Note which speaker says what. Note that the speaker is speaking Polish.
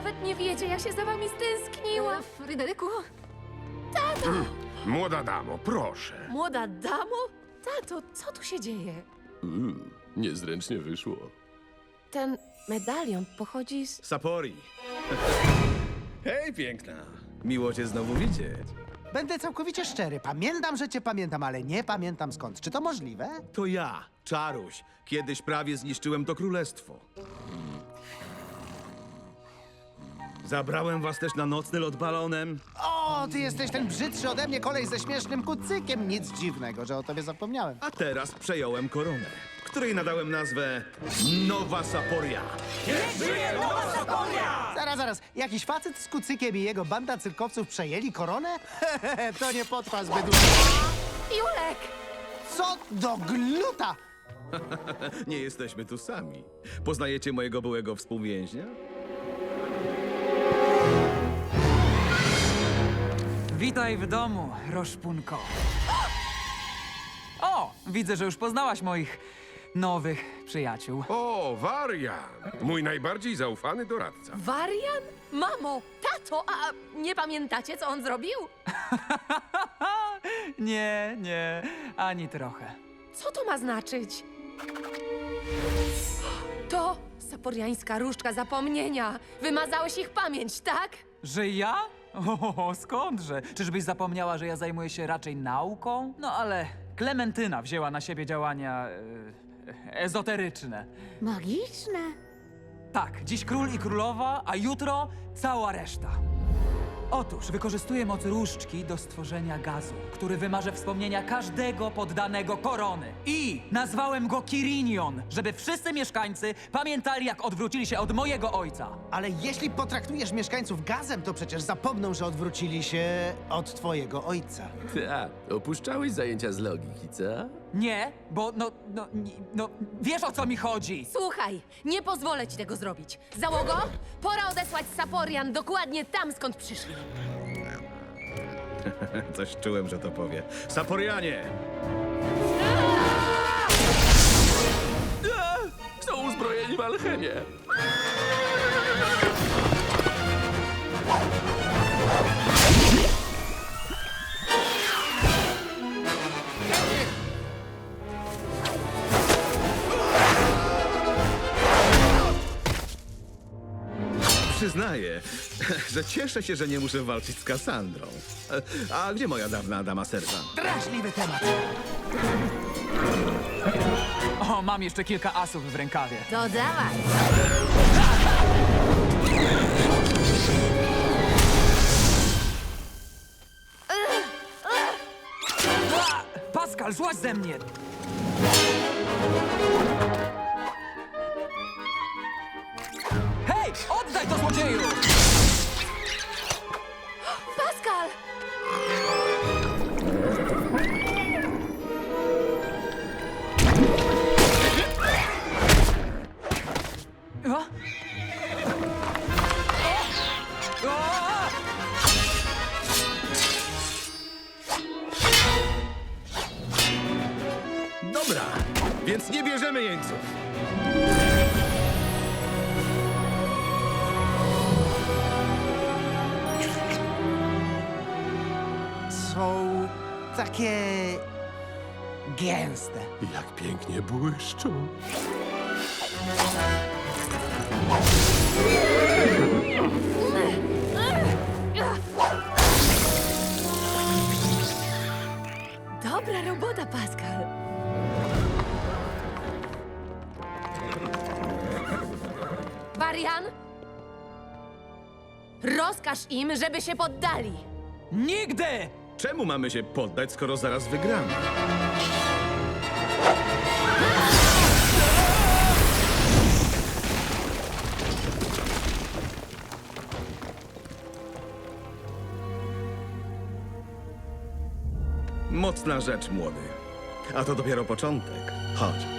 Speaker 1: nawet nie wiecie, jak się za wami stęskniłam.
Speaker 2: Fryderyku,
Speaker 3: Młoda damo, proszę.
Speaker 1: Młoda damo? Tato, co tu się dzieje?
Speaker 4: Niezręcznie wyszło.
Speaker 1: Ten medalion pochodzi z...
Speaker 5: Sapori. Hej, piękna. Miło cię znowu widzieć.
Speaker 6: Będę całkowicie szczery. Pamiętam, że cię pamiętam, ale nie pamiętam skąd. Czy to możliwe?
Speaker 5: To ja, Czaruś. Kiedyś prawie zniszczyłem to królestwo. Zabrałem was też na nocny lot balonem.
Speaker 6: O, ty jesteś ten brzydszy ode mnie kolej ze śmiesznym kucykiem. Nic dziwnego, że o tobie zapomniałem.
Speaker 5: A teraz przejąłem koronę, której nadałem nazwę Nowa Saporia.
Speaker 6: Zaraz. Jakiś facet z kucykiem i jego banda cyrkowców przejęli koronę? To nie potrwa zbyt długo.
Speaker 1: Julek!
Speaker 6: Co do gluta!
Speaker 5: Nie jesteśmy tu sami. Poznajecie mojego byłego współwięźnia?
Speaker 7: Witaj w domu, Roszpunko. O, widzę, że już poznałaś moich nowych przyjaciół.
Speaker 3: O, Warian, mój najbardziej zaufany doradca.
Speaker 1: Warian? Mamo, tato, a nie pamiętacie, co on zrobił?
Speaker 7: Nie, ani trochę.
Speaker 1: Co to ma znaczyć? To saporiańska różdżka zapomnienia. Wymazałeś ich pamięć, tak?
Speaker 7: Że ja? O, skądże? Czyżbyś zapomniała, że ja zajmuję się raczej nauką? No ale Klementyna wzięła na siebie działania ezoteryczne.
Speaker 2: magiczne.
Speaker 7: Tak, dziś król i królowa, a jutro cała reszta. Otóż wykorzystuję moc różdżki do stworzenia gazu, który wymaże wspomnienia każdego poddanego korony. I nazwałem go Kirinion, żeby wszyscy mieszkańcy pamiętali, jak odwrócili się od mojego ojca.
Speaker 6: Ale jeśli potraktujesz mieszkańców gazem, to przecież zapomną, że odwrócili się od twojego ojca.
Speaker 4: Opuszczałeś zajęcia z logiki, co?
Speaker 7: Nie, bo wiesz, o co mi chodzi.
Speaker 1: Słuchaj, nie pozwolę ci tego zrobić. Załogo, pora odesłać Saporian dokładnie tam, skąd przyszli.
Speaker 5: Coś czułem, że to powie. Saporianie!
Speaker 4: Są uzbrojeni w alchemię.
Speaker 5: Przyznaję, że cieszę się, że nie muszę walczyć z Kassandrą. A gdzie moja dawna dama serca?
Speaker 6: Drażliwy temat.
Speaker 7: O, mam jeszcze kilka asów w rękawie.
Speaker 1: To dawaj.
Speaker 7: Pascal, złaź ze mnie! Hej, oddaj to, złodzieju!
Speaker 1: Pascal!
Speaker 7: O? O!
Speaker 5: Dobra, więc nie bierzemy jeńców.
Speaker 6: Są takie gęste.
Speaker 4: Jak pięknie błyszczą.
Speaker 1: Dobra robota, Pascal. Warian? Rozkaż im, żeby się poddali.
Speaker 7: Nigdy!
Speaker 5: Czemu mamy się poddać, skoro zaraz wygramy? Mocna rzecz, młody. A to dopiero początek. Chodź.